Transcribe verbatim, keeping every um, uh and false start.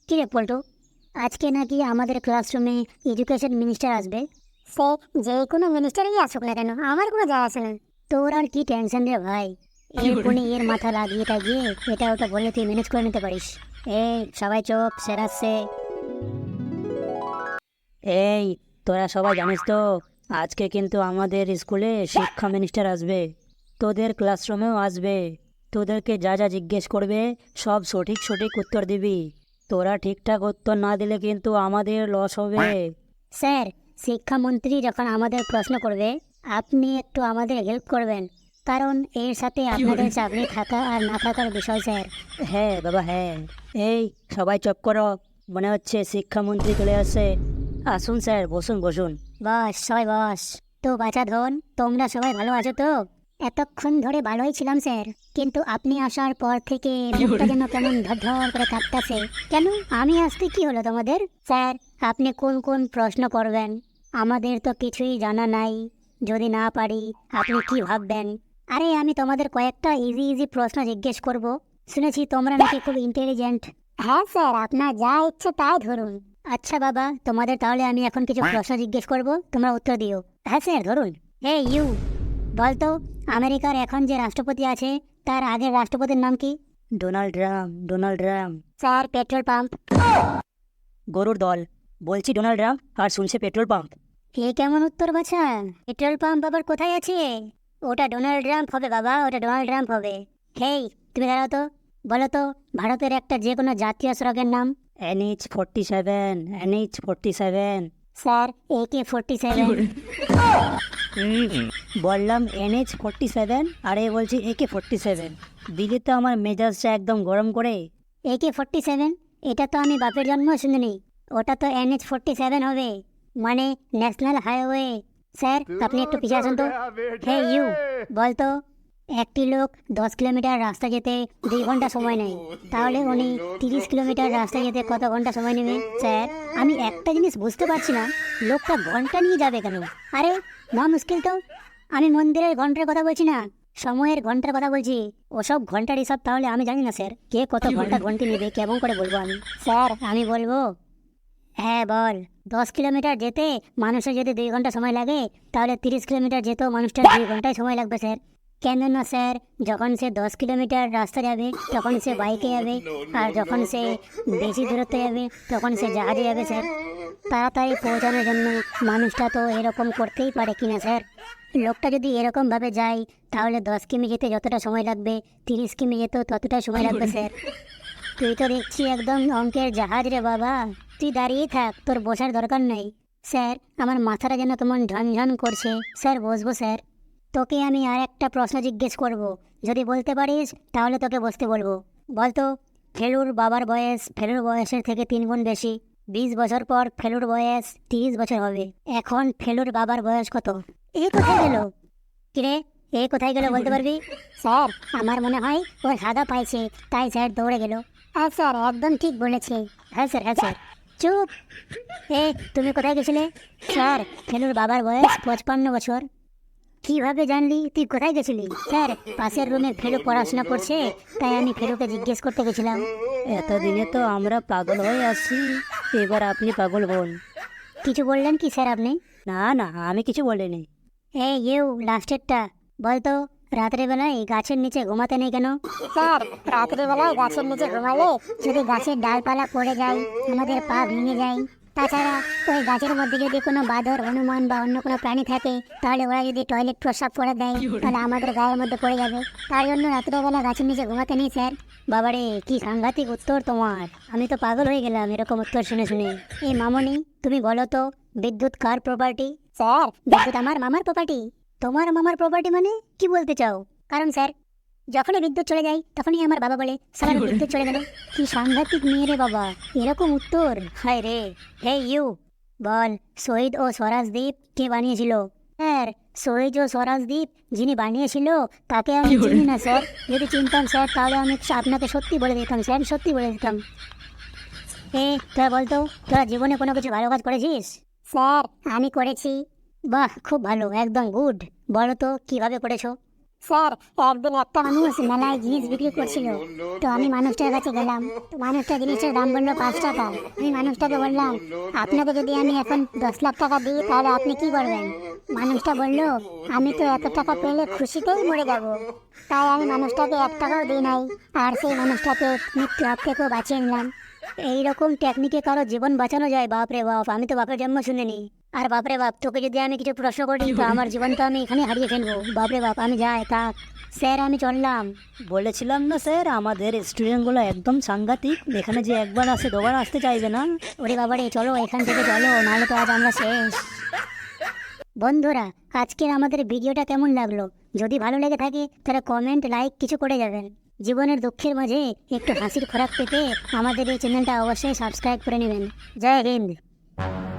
কি রে পল্টু, আজকে নাকি আমাদের ক্লাসরুমে এডুকেশন মিনিস্টার আসবে। সে যে কোনো মিনিস্টারই আসুক না কেন, আমার কোনো যায় আসে না। তোর আর কি টেনশন রে ভাই, এর কোণে এর মাথা লাগিয়ে টাগিয়ে এটা ওটা বলে তুই ম্যানেজ করে নিতে পারিস। এই সবাই চুপ, স্যার আসছে। এই তোরা সবাই জানিস তো, আজকে কিন্তু আমাদের স্কুলে শিক্ষা মিনিস্টার আসবে, তোদের ক্লাসরুমেও আসবে। তোদেরকে যা যা জিজ্ঞেস করবে সব সঠিক সঠিক উত্তর দিবি। তোরা ঠিকঠাক উত্তর না দিলে কিন্তু আমাদের লস হবে। স্যার, শিক্ষামন্ত্রী যখন আমাদের প্রশ্ন করবে আপনি একটু আমাদের হেল্প করবেন, কারণ এর সাথে আপনাদের চাকরি থাকা আর না থাকার বিষয় স্যার। হ্যাঁ বাবা হ্যাঁ। এই সবাই চুপ করো, মনে হচ্ছে শিক্ষামন্ত্রী চলে আসছে। আসুন স্যার, বসুন বসুন। বস, সবাই বস। তো বাছা ধন, তোমরা সবাই ভালো আছো তো? এতক্ষণ ধরে ভালোই ছিলাম স্যার, কিন্তু আপনি আসার পর থেকে মুখটা যেন কেমন ধর করে কাঁপতাছে। কেন, আমি আসতে কি হলো তোমাদের? স্যার, আপনি কোন কোন প্রশ্ন করবেন আমাদের তো কিছুই জানা নাই। যদি না পারি আপনি কি ভাববেন? আরে আমি তোমাদের কয়েকটা ইজি ইজি প্রশ্ন জিজ্ঞেস করব, শুনেছি তোমরা নাকি খুব ইন্টেলিজেন্ট। হ্যাঁ স্যার, আপনার যা ইচ্ছে তাই ধরুন। আচ্ছা বাবা, তোমাদের তাহলে আমি এখন কিছু প্রশ্ন জিজ্ঞেস করব, তোমরা উত্তর দিও। হ্যাঁ স্যার, ধরুন। হে ইউ, বলতো আমেরিকার এখন যে রাষ্ট্রপতি আছে তার আগের রাষ্ট্রপতির নাম কি? Donald Trump. Donald Trump. Sir, petrol pump. গরুর দল। বলছি ডোনাল্ড ট্রাম্প, আর শুনছে পেট্রোল পাম্প। এ কেমন উত্তর বাছা? পেট্রোল পাম্প আবার কোথায় আছে? ওটা ডোনাল্ড ট্রাম্প হবে বাবা, ওটা ডোনাল্ড ট্রাম্প হবে। হেই, তুমি দাঁড়াও তো, বলো তো ভারতের একটা যে কোনো জাতীয় সড়কের নাম। NH forty seven. NH forty seven. Sir, A K forty seven. বললাম এনএইচ ফোরটি সেভেন, আর এ বলছি এ কে ফোরটি সেভেন। দিদি তো আমার মেজাজটা একদম গরম করে। এ কে ফোরটি সেভেন, এটা তো আমি বাপের জন্ম শুনিনি। ওটা তো এনএইচ ফোরটি সেভেন হবে, মানে ন্যাশনাল হাইওয়ে। স্যার, আপনি একটু পিছিয়ে আসুন তো। হে ইউ, বলতো একটি লোক দশ কিলোমিটার রাস্তা যেতে দুই ঘন্টা সময় নেয়, তাহলে উনি তিরিশ কিলোমিটার রাস্তা যেতে কত ঘন্টা সময় নেবে? স্যার, আমি একটা জিনিস বুঝতে পারছি না, লোকটা ঘন্টা নিয়ে যাবে কেন? আরে না, মুশকিল তো। আমি মন্দিরের ঘন্টার কথা বলছি না, সময়ের ঘন্টার কথা বলছি। ওসব ঘন্টার হিসাব তাহলে আমি জানি না স্যার, কে কত ঘন্টা ঘন্টি নেবে কেমন করে বলবো আমি? স্যার, আমি বলবো। হ্যাঁ বল। দশ কিলোমিটার যেতে মানুষের যদি দুই ঘন্টা সময় লাগে, তাহলে তিরিশ কিলোমিটার যেতেও মানুষটার দুই ঘন্টায় সময় লাগবে স্যার। কেন না স্যার, যখন সে দশ কিলোমিটার রাস্তা যাবে তখন সে বাইকে যাবে, আর যখন সে বেশি দূরত্ব যাবে তখন সে জাহাজে যাবে স্যার। তাড়াতাড়ি পৌঁছানোর জন্য মানুষটা তো এরকম করতেই পারে কিনা স্যার? লোকটা যদি এরকমভাবে যায় তাহলে দশ কিমি যেতে যতটা সময় লাগবে তিরিশ কিমি যেতেও ততটা সময় লাগবে স্যার। তুই তো দেখছি একদম অঙ্কের জাহাজ রে বাবা, তুই দাঁড়িয়ে থাক, তোর বসার দরকার নেই। স্যার, আমার মাথাটা যেন কেমন ঝনঝন করছে। স্যার, বসবো স্যার? তোকে আমি আর একটা প্রশ্ন জিজ্ঞেস করব, যদি বলতে পারিস তাহলে তোকে বসতে বলবো। বলতো ফেলুর বাবার বয়স ফেলুর বয়সের থেকে তিন গুণ বেশি। বিশ বছর পর ফেলুর বয়স তিরিশ বছর হবে। এখন ফেলুর বাবার বয়স কত? এ কোথায় গেল? কিরে, এ কোথায় গেল বলতে পারবি? স্যার, আমার মনে হয় ও হাগা পাইছে, তাই স্যার দৌড়ে গেল। হ্যাঁ স্যার, একদম ঠিক বলেছে। হ্যাঁ স্যার, হ্যাঁ স্যার। চুপ। এ, তুমি কোথায় গেছিলে? স্যার, ফেলুর বাবার বয়স পঁচপান্ন বছর। কিভাবে জানলি? তুই কোথায় গেছিলি? স্যার, পাশের রুমে ফেলু পড়াশোনা করছে, তাই আমি ফেলুকে জিজ্ঞেস করতে গেছিলাম। এতদিনে তো আমরা পাগল হয়ে আসছি, এবার আপনি পাগল হন। কিছু বললেন কি স্যার আপনি? না না, আমি কিছু বলিনি। এই ইউ, লাস্টেরটা বলতো, রাত্রে বেলায় গাছের নিচে ঘুমাতে নেই কেন? স্যার, রাত্রে বেলায় গাছের নিচে ঘুমালে যদি গাছের ডালপালা পড়ে যায় আমাদের পা ভেঙে যায়। তাছাড়া ওই গাছের মধ্যে যদি কোনো বাদর, হনুমান বা অন্য কোনো প্রাণী থাকে, তাহলে ওরা যদি টয়লেট প্রস্রাব করে দেয় তাহলে আমাদের গায়ের মধ্যে পড়ে যাবে। তার জন্য রাত্রেবেলা গাছের নিচে ঘুমাতে নেই স্যার। বাবারে, কি সাংঘাতিক উত্তর তোমার! আমি তো পাগল হয়ে গেলাম এরকম উত্তর শুনে শুনে। এই মামনি, তুমি বলো তো বিদ্যুৎ কার প্রপার্টি? স্যার, বিদ্যুৎ আমার মামার প্রপার্টি। তোমার মামার প্রপার্টি মানে কি বলতে চাও? কারণ স্যার, যখনই বিদ্যুৎ চলে যায় তখনই আমার বাবা বলে সারা বিদ্যুৎ চলে গেল। কি সাংঘাতিক মেয়ে রে বাবা, এরকম উত্তর! হায় রে। হে ইউ, বল শহীদ ও স্বরাজ দ্বীপ কে বানিয়েছিল? স্যার, শহীদ ও স্বরাজ দ্বীপ যিনি বানিয়েছিল তাকে আমি চিনি না স্যার। যদি চিনতাম স্যার তাহলে আমি আপনাকে সত্যি বলে দিতাম স্যার, সত্যি বলে দিতাম। এ, তোরা বলতো, তোরা জীবনে কোনো কিছু ভালো কাজ করেছিস? স্যার, আমি করেছি। বাহ, খুব ভালো, একদম গুড। বলো তো কিভাবে করেছো? স্যার, একদিন একটা মানুষ মেলায় জিনিস বিক্রি করছিল। তো আমি মানুষটার কাছে গেলাম। তো মানুষটা জিনিসটার দাম বললো পাঁচ টাকা। আমি মানুষটাকে বললাম, আপনাকে যদি আমি এখন দশ লাখ টাকা দিই তাহলে আপনি কি করবেন? মানুষটা বলল, আমি তো এত টাকা পেলে খুশিতেই মরে যাব। তাই আমি মানুষটাকে এক টাকাও দিই নাই, আর সেই মানুষটাকে মৃত্যু হাত থেকেও বাঁচিয়ে নিলাম। এইরকম টেকনিকে কারো জীবন বাঁচানো যায়? বাপরে বাপ, আমি তো বাপের জন্ম শুনিনি। আর বাপরে বাপ, তোকে যদি আমি কিছু প্রশ্ন করি তো আমার জীবন তো আমি এখানে হারিয়ে ফেলবো। বাপরে বাপ, আমি যাই থাক। স্যার, আমি চললাম। বলেছিলাম না স্যার, আমাদের স্টুডেন্টগুলো একদম সাংঘাতিক, এখানে যে একবার আসে দুবার আসতে চাইবে না। ওরে বাবারে, চলো এখান থেকে চলো, নাহলে তো আজ আমরা শেষ। বন্ধুরা, আজকের আমাদের ভিডিওটা কেমন লাগলো? যদি ভালো লেগে থাকে তাহলে কমেন্ট, লাইক কিছু করে যাবেন। জীবনের দুঃখের মাঝে একটু হাসির খোরাক পেতে আমাদের এই চ্যানেলটা অবশ্যই সাবস্ক্রাইব করে নেবেন। জয় হিন্দ।